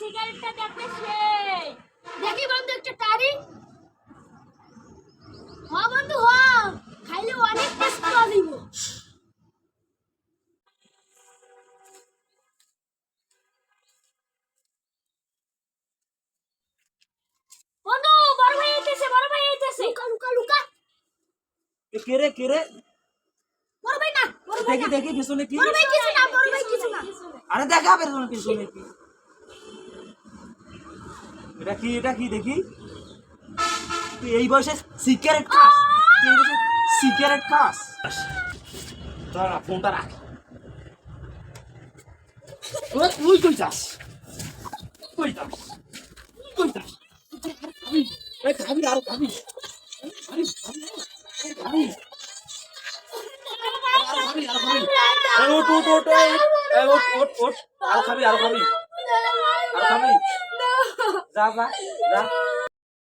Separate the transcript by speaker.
Speaker 1: সিগারেটটা দেখতে সেই দেখি বন্ধু একটা টারি হ্যাঁ বন্ধু হ্যাঁ খাইলে অনেক টেস্ট পাওয়া যাইব বন্ধু বড় ভাই আইতেছে লুকা লুকা লুকা
Speaker 2: কে রে
Speaker 1: বড় ভাই না
Speaker 2: দেখি দেখি পিছনে কি
Speaker 1: বড় ভাই কিছু না
Speaker 2: আরে দেখা পেছনে পিছনে কি এটা কি দেখি তুই এই বয়সে সিগারেট খাস দাঁড়া ফোনটা রাখ তুই কই যাস খাবি আরো খাবি ওট আরো খাবি যা